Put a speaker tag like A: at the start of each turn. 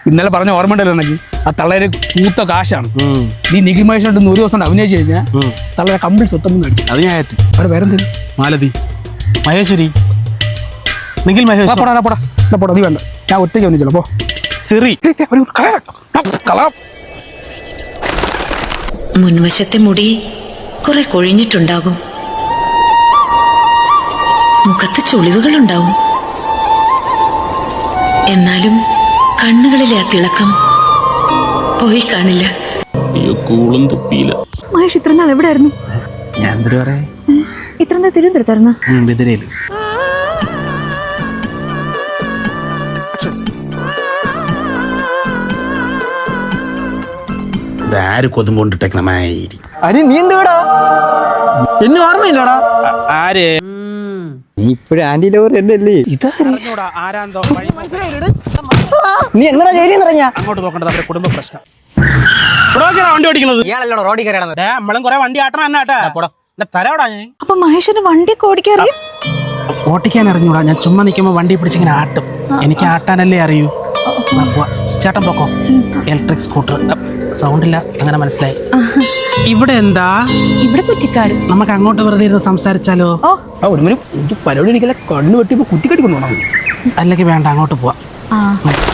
A: ഇന്നലെ പറഞ്ഞ ഓർമ്മ ഉണ്ടല്ലോ എനിക്ക് ആ തള്ളേര് കൂത്ത കാശാണ്. നീ നിഖിൽ മഹേഷിനോട്ട് 100 ദിവസം അഭിനയിച്ചു കഴിഞ്ഞാൽ തള്ളേരെ കമ്പിൾ സ്വത്തം മേടിച്ചു.
B: അത് ഞാൻ ഏറ്റ്.
A: അവിടെ വേറെ എന്തെങ്കിലും
B: മാലതി മഹേശ്വരി നിഖിൽ മഹേഷ്
A: പോടാ നീ വേണ്ട, ഞാൻ ഒറ്റയ്ക്ക് ഒന്നിച്ചല്ലോ പോ.
B: സിറി
C: മുൻവശത്തെ മുടി കുറെ കൊഴിഞ്ഞിട്ടുണ്ടാകും, മുഖത്ത് ചുളിവുകളുണ്ടാവും. എന്നാലും കണ്ണുകളിലെ ആ തിളക്കം പോയി കാണില്ല.
B: അയ്യോ കൂളും തുപ്പിയില്ല.
D: മഹേഷ് ഇത്ര നാൾ എവിടെയായിരുന്നു?
B: ഞാൻ എന്തൊരു പറയാ,
D: ഇത്ര നാൾ തിരുവനന്തപുരത്തായിരുന്നു.
B: ബദിരയില്. ഇതാര് കൊതുമ്പോണ്ടിട്ടേക്കണമായിരി.
E: അരി നീ എന്തുവാടാ, എന്നെ ഓർമ്മയില്ലടാ.
B: ആര്
E: നീ ഇപ്പഴും ആന്റി ലോർ എന്നല്ലേ?
B: ആരാന്തോ
E: നീ എങ്ങനെ ജയിലിൽ നിറഞ്ഞ?
B: അങ്ങോട്ട് നോക്കേണ്ടത് അവരുടെ കുടുംബ പ്രശ്നം. വണ്ടി ഓടിക്കുന്നത്
E: ഇയാളല്ലോ റോഡിൽ കയറിയാണത്.
B: നമ്മളും കുറെ വണ്ടി ആട്ടണം എന്നാട്ടാ തരാടാ. ഞാൻ
D: അപ്പൊ മഹേഷിന് വണ്ടിയൊക്കെ ഓടിക്കാൻ അറിയും?
B: ഓട്ടിക്കാൻ അറിഞ്ഞൂടാ, ഞാൻ ചുമ്മാ നിൽക്കുമ്പോ വണ്ടി പിടിച്ചിങ്ങനെ ആട്ടും. എനിക്ക് ആട്ടാനല്ലേ അറിയൂ. ചേട്ടൻ പോക്കോ, ഇലക്ട്രിക് സ്കൂട്ടർ. സൗണ്ട് ഇല്ല, അങ്ങനെ മനസ്സിലായി. ഇവിടെ എന്താ?
D: ഇവിടെ കുറ്റിക്കാട്.
B: നമുക്ക് അങ്ങോട്ട് വെറുതെ ഇരുന്ന് സംസാരിച്ചാലോ?
A: ഒരു പരിപാടി എനിക്കല്ല, കണ്ണു വെട്ടിയപ്പോ കുറ്റിക്കെട്ടി കൊണ്ടുപോകണം.
B: അല്ലെങ്കിൽ വേണ്ട, അങ്ങോട്ട് പോവാം.